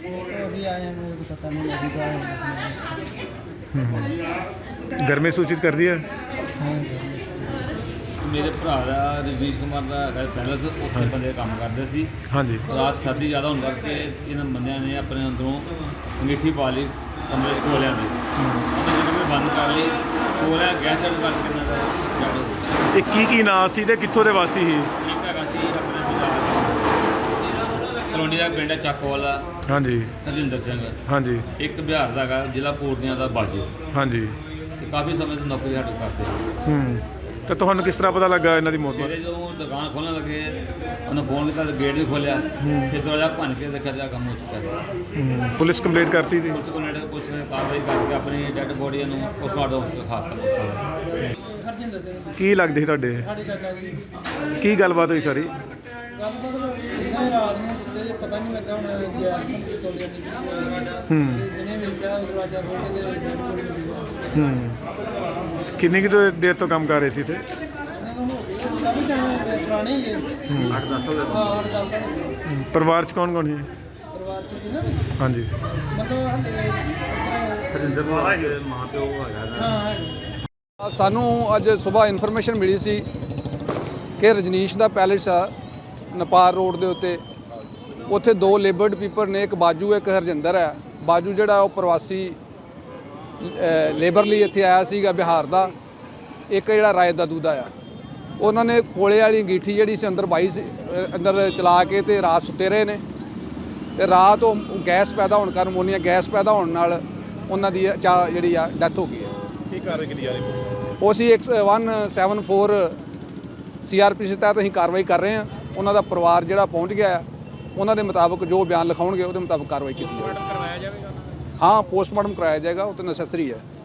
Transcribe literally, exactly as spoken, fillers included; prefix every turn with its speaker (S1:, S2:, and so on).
S1: अभी आए हैं, मेरे को पता नहीं लगेगा।
S2: घर में सूचित कर दिया?
S1: हाँ
S3: ਮੇਰੇ ਭਰਾ ਦਾ ਰਜਨੀਸ਼ ਕੁਮਾਰ ਦਾ ਹੈਗਾ ਪੈਲਸ, ਉੱਥੇ ਬੰਦੇ ਕੰਮ ਕਰਦੇ ਸੀ।
S2: ਹਾਂਜੀ।
S3: ਰਾਤ ਸਰਦੀ ਜ਼ਿਆਦਾ ਹੋਣ ਕਰਕੇ ਇਹਨਾਂ ਬੰਦਿਆਂ ਨੇ ਆਪਣੇ ਅੰਦਰੋਂ ਅੰਗੀਠੀ ਪਾ ਲਈ ਕਮਰੇ ਕੋਲਿਆਂ ਦੀ, ਉਹਨੇ ਬੰਦ ਕਰ ਲਈ ਕੋਲਿਆਂ ਗੈਸ ਛੱਡ ਕਰਕੇ ਇਹਨਾਂ ਦਾ ਜੜ ਹੋ ਗਿਆ।
S2: ਇਹ ਕੀ ਕੀ ਨਾਂ ਸੀ ਤੇ ਕਿੱਥੋਂ ਦੇ ਵਾਸੀ ਸੀ?
S3: ਇੱਕ ਹੈਗਾ ਸੀ ਆਪਣੇ ਬਾਜ਼ਾਰ ਕਲੋਨੀ ਦਾ ਪਿੰਡ ਚੱਕ ਵਾਲਾ,
S2: ਹਾਂਜੀ
S3: ਹਰਜਿੰਦਰ ਸਿੰਘ।
S2: ਹਾਂਜੀ
S3: ਇੱਕ ਬਿਹਾਰ ਦਾ ਹੈਗਾ ਜ਼ਿਲ੍ਹਾ ਪੂਰਨੀਆ ਦਾ ਬਾਜੂ।
S2: ਹਾਂਜੀ।
S3: ਤੇ ਕਾਫੀ ਸਮੇਂ ਤੋਂ ਨੌਕਰੀ ਸਾਡੇ ਕਰਦੇ।
S2: ਹੂੰ ਤਾਂ ਤੁਹਾਨੂੰ ਕਿਸ ਤਰ੍ਹਾਂ ਪਤਾ ਲੱਗਾ ਇਹਨਾਂ ਦੀ ਮੌਤ ਬਾਰੇ?
S3: ਸਵੇਰੇ ਜਦੋਂ ਦੁਕਾਨ ਖੋਲ੍ਹਣ ਲੱਗੇ ਉਹਨੇ ਫੋਨ ਕੀਤਾ, ਗੇਟ ਵੀ ਖੋਲ੍ਹਿਆ, ਫਿਰ ਦਰਵਾਜ਼ਾ ਭੰਨ ਕੇ ਦੇਖਿਆ ਜਾ ਕੰਮ ਹੋ ਚੁੱਕਾ ਸੀ।
S2: ਹੂੰ, ਪੁਲਿਸ ਕੰਪਲੇਂਟ ਕਰਤੀ ਸੀ?
S3: ਪੁਲਿਸ ਕੋਲ ਪੁਲਿਸ ਨੇ ਕਾਰਵਾਈ ਕਰਕੇ ਆਪਣੀ ਡੈੱਡ ਬੋਡੀ ਨੂੰ ਪੋਸਟਮਾਰਟਮ ਖਾਤਾ
S1: हरजिंदर सिंह
S2: ਕੀ ਲੱਗਦੇ ਸੀ ਤੁਹਾਡੇ?
S1: साढ़े चाचा जी
S2: ਕੀ ਗੱਲਬਾਤ ਹੋਈ ਸਾਰੀ?
S1: गलबात इन्हें रात में सुते जे पता नहीं लगा हूँ गैस पिस्तौल जानी
S2: हम्म।
S1: जिन्हें वेचा दरवाजा खोल के डेड बॉडी मिली।
S2: ਹੂੰ ਕਿੰਨੀ ਕੁ ਦੇਰ ਤੋਂ ਕੰਮ ਕਰ ਰਹੇ ਸੀ ਇੱਥੇ?
S1: इन्हें तो हो गए काफ़ी टाइम पुराने ही है।
S3: ਅੱਠ ਦਸ ਸਾਲ
S1: हाँ आठ दस साल हो गए।
S2: ਹੂੰ, ਪਰਿਵਾਰ 'ਚ ਕੌਣ ਕੌਣ ਸੀ?
S1: परिवार च जी ना
S2: ਹਾਂਜੀ।
S1: मतलब हाले
S3: ਹਰਿੰਦਰ ਕੁਮਾਰ ਦੇ ਮਾਂ ਪਿਓ ਹੈਗਾ।
S1: हाँ है।
S4: ਸਾਨੂੰ ਅੱਜ ਸਵੇਰ ਇਨਫੋਰਮੇਸ਼ਨ ਮਿਲੀ ਸੀ ਕਿ ਰਜਨੀਸ਼ ਦਾ ਪੈਲੇਸ ਆ ਨਪਾਰ ਰੋਡ ਦੇ ਉੱਤੇ, ਉੱਥੇ ਦੋ ਲੇਬਰਡ ਪੀਪਲ ਨੇ, ਇੱਕ ਬਾਜੂ ਇੱਕ ਹਰਜਿੰਦਰ ਹੈ। ਬਾਜੂ ਜਿਹੜਾ ਉਹ ਪ੍ਰਵਾਸੀ ਲੇਬਰ ਲਈ ਇੱਥੇ ਆਇਆ ਸੀਗਾ ਬਿਹਾਰ ਦਾ, ਇੱਕ ਜਿਹੜਾ ਰਾਏ ਦਾ ਦੂਦਾ ਆ। ਉਹਨਾਂ ਨੇ ਕੋਲੇ ਵਾਲੀ ਅੰਗੀਠੀ ਜਿਹੜੀ ਸੀ ਅੰਦਰ ਪਾਈ ਸੀ, ਅ, ਅੰਦਰ ਚਲਾ ਕੇ ਤੇ ਰਾਤ ਸੁੱਤੇ ਰਹੇ ਨੇ। ਤੇ ਰਾਤ ਉਹ ਗੈਸ ਪੈਦਾ ਹੋਣ ਕਾਰਨ, ਅਮੋਨੀਆ ਗੈਸ ਪੈਦਾ ਹੋਣ ਨਾਲ ਉਹਨਾਂ ਦੀ ਚਾ ਜਿਹੜੀ ਆ ਡੈਥ ਹੋ ਗਈ ਹੈ।
S2: ਕੀ ਕਾਰਵਾਈ ਕੀਤੀ ਜਾ ਰਹੀ?
S4: ਉਹ ਅਸੀਂ ਇੱਕ one seven four C R P C ਤਹਿਤ ਅਸੀਂ ਕਾਰਵਾਈ ਕਰ ਰਹੇ ਹਾਂ। ਉਹਨਾਂ ਦਾ ਪਰਿਵਾਰ ਜਿਹੜਾ ਪਹੁੰਚ ਗਿਆ ਆ, ਉਹਨਾਂ ਦੇ ਮੁਤਾਬਕ ਜੋ ਬਿਆਨ ਲਿਖਾਉਣਗੇ ਉਹਦੇ ਮੁਤਾਬਕ ਕਾਰਵਾਈ ਕੀਤੀ ਜਾਵੇਗੀ। ਹਾਂ, ਪੋਸਟਮਾਰਟਮ ਕਰਵਾਇਆ ਜਾਏਗਾ, ਉਹ ਤਾਂ ਨੈਸੈਸਰੀ ਹੈ।